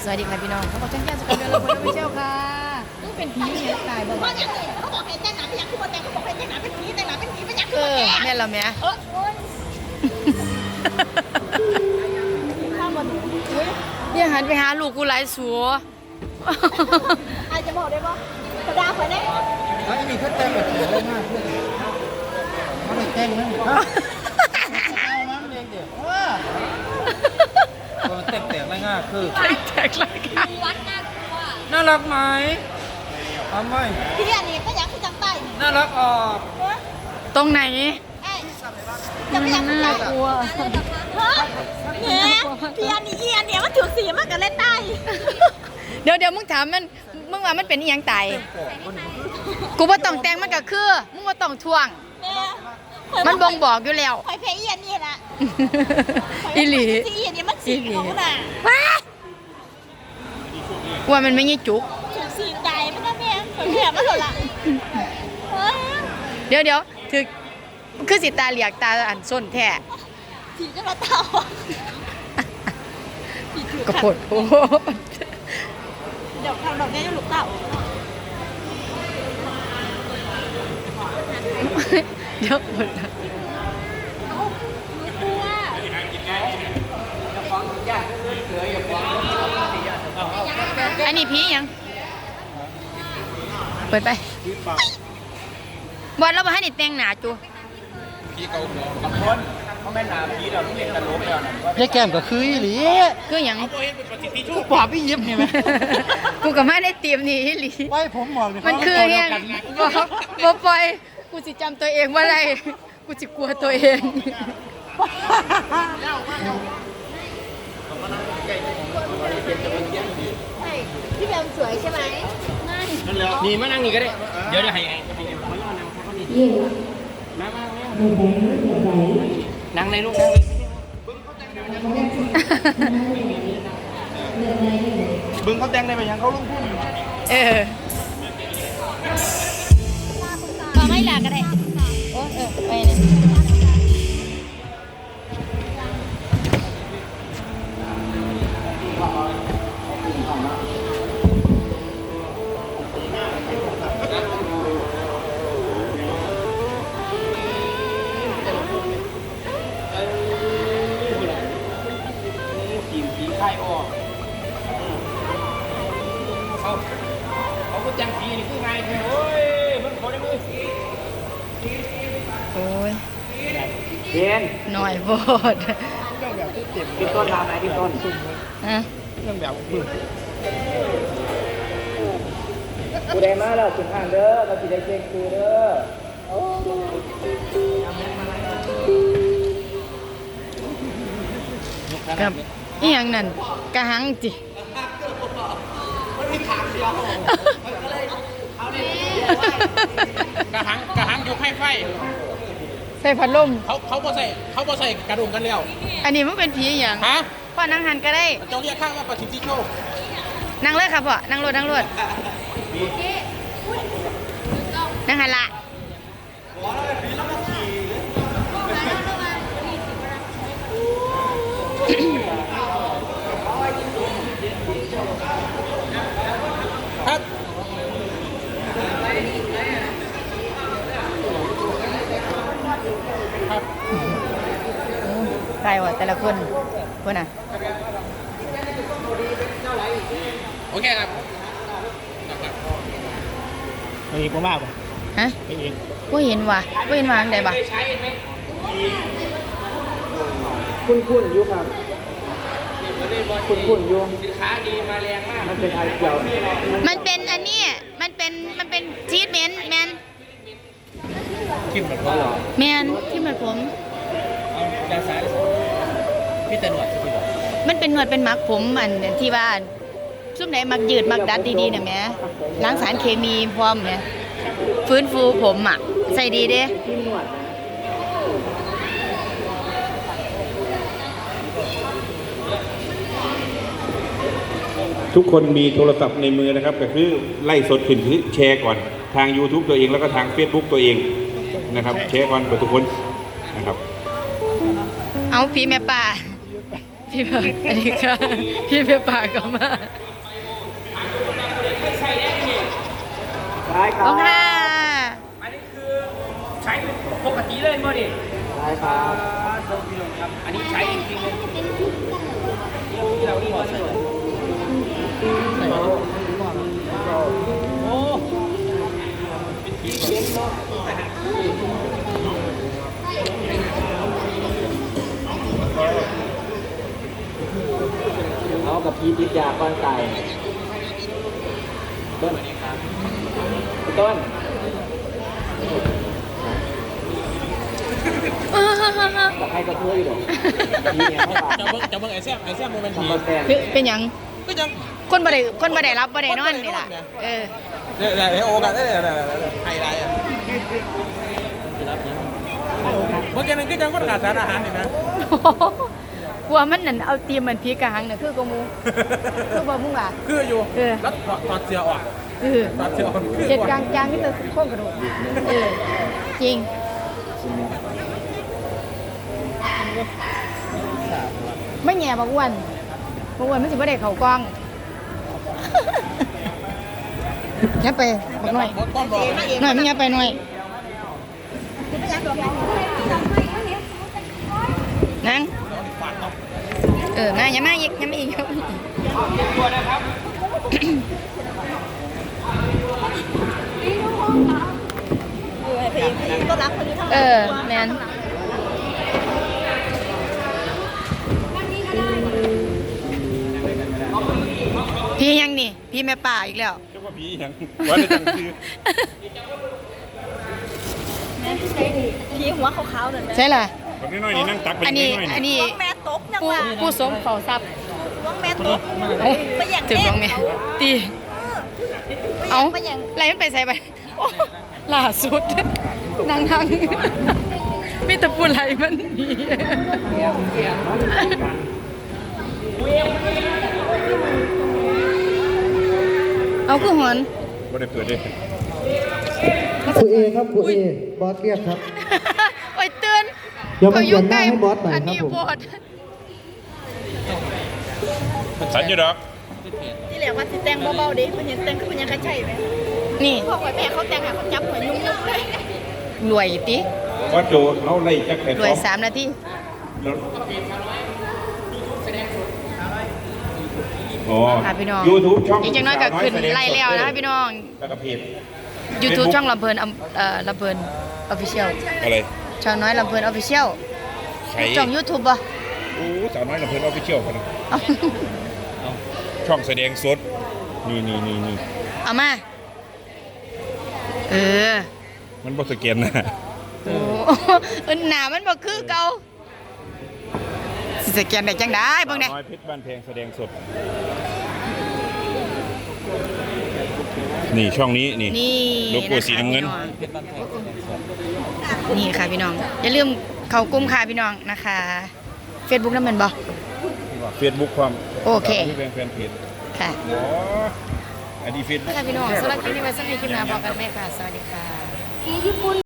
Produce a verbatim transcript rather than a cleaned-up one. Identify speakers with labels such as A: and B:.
A: สวัสดีค่ะพี่น้องเขาบอกฉันแก้วสกุลเดือนละคนไม่เชี่ยวค่ะต้องเป็นผีเนี่ยตายบ่บ่
B: เขาบอกให้แต่งหนาเป็นอย่างคือว่าแต่งเขาบอกให้แต่งหนาเป็นผีแต่งหนาเป็นผีเป็นอย่างคือ
A: เอ
B: ว่า
A: อ
B: แก่
A: แม่เราแม่
B: เออข้าวมันอุ้ย
A: อย่าหันไปหาลูกกูหลายสัว
B: อาจจะบอกได้ป่ะกระดาษไปได้
C: ไอ้นี่เขาแต่งแบบสวยเลยมากเพื่อนเขาไม่แต่งนะเอาน้ำเลี้ยงเดี๋ยวว้าแต่งแต่งไม่ง่ายคือ
A: แตกเลยค่ะ
B: วัดน่ากลัว
C: น่ารักไหมทำไม
B: พี่อันนี้ก็ยังคือจังใต้
C: น่ารักออก
A: ตรงไหน
B: ไอ้จะไม่ยังคือจัง
A: กลัว
B: ฮะเนี่ยพี่อันนี้อีอันเนี้ยมันถือสีมากกับเล่นใต้
A: เดี๋ยวเดี๋ยวมึงถามมันมึงว่ามันเป็นอีหยังตายกูว่าต้องแต่งมันก็คือมึงว่าต้องท่วง มันบ่งบอกอยู่แล้ว
B: คอยเพย์อีอันนี้ละ
A: อีหลี
B: สีอันนี้มันสีของน่ะ
A: ว่ามันไม่ยี่จุก
B: ถือสีใจไม่ได้แม่คอยเพย์มาหรอละ
A: เดี๋ยวเดี๋ยวถือคือสิตาเหลียกตาอันส้นแท้
B: สีจะมาเต่า
A: กระโปดโพด
B: เดี๋ยวทำดอกนี้จะหลุดเต่า
A: เดี๋ยวหมด
B: กลัว
A: อันนี้ผียังเปิดไปบอลเราไปให้นิดแต่งหนาจู
C: พี่เกาหัวบางคนเขาแม่นาพี่เราเล่นตลกแล้วนะยายแก้มก็คืออีหลี
A: คืออย่าง
C: กูปอบพี่ยิบนี่ไหม
A: กูกับแม่ได้เตรียมนี่หลี
C: ไว้ผมบอกเลย
A: มันคือเนี่ยบอกบอกปล่อยกูสิจำตัวเองว่าอะไรกูจะกลัวตัวเอง
B: พี่แบมสวยใช่ไหมไม่
C: นี่มานั่งนี่ก็ได้เดี๋ยวเดี๋ยวให้นั่งในลูกนั่งบึงเขาแต่งได้ไหมยังเขาลุกพุ่ง
A: เออ
B: ก็ไม่หลักก็ได้
A: โอ้เออไปเลย
C: เขาเขาก็จังผีนี่คือไงโอ้ยมันเขาได้มือ
A: โอ้ย
C: เพียน
A: หน่อยโบด
C: ที่ต้นทำไหนที่ต้น
A: ฮะ
C: เรื่องแบบมือกูได้มาแล้วถึงอ่านเด้อเราติดได้เก่งคือเด้อ
A: กับอีหยังนั่นกระหังจิ
D: กระหังกระหังยกให้ไฟ
A: ใส่พัดลม
D: เขาเขาบ่ใส่เขาบ่ใส่กระดุมกันแล้ว
A: อันนี้มันเป็นผีอหย่าง
D: ฮะ
A: พ่อนั่งหันก็ได้
D: เจ้าเรียกข้างว่าประสิทธิโชค
A: นั่งเลยครับพ่อนั่งรถนั่งรถนั่งหันละ
D: ครับ ครับ
A: ใครวะแต่ละคนคนน่ะ
D: โอเคครับ
C: ไอ้กูมากป่ะ
A: ฮะ
C: ไอ้เอง
A: กูเห็นว่ะกูเห็นว่าอันใดบ่
C: คุณคุณอยู่ครับคุณคุณอยู่
D: สินค้าดีมาแรงมาก
C: มันเป็นไอเกี่ยว
A: มันเป็นอันนี้มันเป็นมันเป็นชีทเมนต์แมน
D: กินแบบว่าหรอ
A: แมนที่มันผม
D: เอาด้านซ้ายพี่ตะหนวดพี่บอก
A: มันเป็นหนวดเป็นมักผมอันที่ว่าซุ่มไหนมักยืดมักดัดดีๆเนี่ยแหม่ล้างสารเคมีพร้อมเนี่ยฟื้นฟูผมอ่ะใส่ดีเด้
E: ทุกคนมีโทรศัพท์ในมือนะครับก็คือไล่สดขึ้นคือแชร์ก่อนทาง YouTube ตัวเองแล้วก็ทาง Facebook ตัวเองนะครับแชร์ก่อนกับทุกคนนะครับ
A: เอาพี่แม่ป่าพี่ปากอันนี้ค่ะพี่เปียปากก็มาขอบคุณค่ะ
D: อันนี้คือใช้ปกติเลยมั้งดิใช่ครับอันนี้ใช้จริงๆเลยที่เราที่เราใช้โอ้เป็นทีเย็นเนาะเอากับพีติดยาก้อนไตต้นต้นกับใครก็เทื่อยหรอกพีเนี่ยไม่บาด
C: จะเบิ้งจะเบิ้งไอ้แซมไอ้แซมโมเมนต์
D: ทำ
C: ผี
D: มาแทน
A: เป็นหยัง
C: ก็ยัง
A: คนบ่ได้คนบ่ได้รับบ่ได้นอนนี่ล่ะเออ
C: เดี๋ยวเดี๋ยวโอกาสได้เดี๋ยวเดี๋ยวเดี๋ยวไฮไลท์อ่ะเมื่อกี้นึงก็ยังก็ขาดสารอาหารอยู่นะ
A: กลัวมันนั่นเอาเตรียมมันพีกะหังน่ะคือกะมูคือบ่มึงว่า
C: คืออยู่
A: เออ
C: แล้วถอดเสื้อออก
A: เออ
C: ถอดเสื้อออกคือ
A: เจ็ดกลางกลางนี่แต่โค้งกระดูกเออจริงไม่แง่บ่อ้วนบ่อ้วนมันสิบ่ได้เข้ากล้องยับไปบักหน่อย
C: ก้อนบอก
A: หน่อยมึงยับไปหน่อยนั่งเออมาอย่ามาอีกอย่ามาอีก
B: ก็รักคนนี้ทั้งหม
A: เอ
B: ด
A: อแมนพี่ยังนี่ พี่แม่ป่าอีกแล้ว
E: เจ้าว่าผียังว่าได้จังคือ
B: พี่หัวขาวๆนั่นแหละ
A: ใช่ล่ะ
E: คนน้อยๆนี่นั่งตักไป
A: อัน
E: นิ
A: นี้
E: ดหน่อย
A: อัน
E: นี่
A: นี้
B: แม่ตกยัง
A: ผู้
B: ว่า
A: ผู้สมเฝ้าทรัพย์
B: น้องแม่ตก
A: เอ้า
B: ไปแย่ง
A: ถึง
B: เด็
A: น้
B: ก
A: องแม่
B: เขา
A: ตี
B: เอา
A: เอา
B: ไปแย่ง
A: อะไรมันไปใส่ไปโอ้ล่าสุดนั่งทางไม่ตะปูไหลมันหนีเอาคือหอน
E: ว่าได้เปิดด้วย
F: ครูเอครับครูเอบอสเรียกครับ
A: โอ้ยเตือน
F: เดี๋ยวมาเปลี่ยนหน้าให้บอสหน่อย
A: อัน
F: ครับ
A: นี้
F: ผม
A: บอส
E: สัญญาดอก
B: ที่เหลือว่าสิแต่งเบาๆดิมันยังแต่งคือมันยังกระชัยไหม
A: นี่
B: พ่อกับแม่เขาแต่งหาเขาจับหัวยุ่งๆเลย
A: รวยติ
E: ว่าโจเราไล่จักแค่
A: รวยสามนาที
E: อ๋อ
A: ค่ะพี่น้อง
E: ยูทูบช่อง
A: อีกจังน้อยก็ขึ้นไล่แล้วนะคะพี่น้อง
E: แล้วก็เพจ
A: YouTube ช่องลำเพลินอำเอ่อลำเพลินออฟฟิเชียล
E: อะไร
A: ช่องน้อยลำเพลินออฟฟิเชียล
E: ใคร
A: ช่อง YouTube ป่ะ
E: โอ้สาวน้อยลำเพลินออฟฟิเชียลกันนะ
A: เอา
E: ช่องแสดงสดนี่นี่นี่นี่
A: เอามา เออ
E: มันบอสแกนนะ
A: โอ้เออหนามันบ่คือเก่าสิสแกนได้จังได้เบิ่งได้
E: น้อยเพชรบ้านแพงแสดงสด นี่ช่องนี้นี่
A: นี่
E: โลโก้สีน้ำเงิน
A: นี่ค่ะพี่น้อง อย่าลืมเข้ากลุ่มค่ะพี่น้องนะคะ Facebook นั่นแมันบ่
E: เฟซบุ๊กความ
A: โอเค
E: ที่เป็นแฟนเพจ
A: ค่ะ
E: อ๋ออันนี้เฟซบุ๊ก
A: ค่ะพี่น้องสำหรับคลิปนี้ไว้สักในคลิปหน้าพบกันไหมค่ะ สวัสดีค่ะ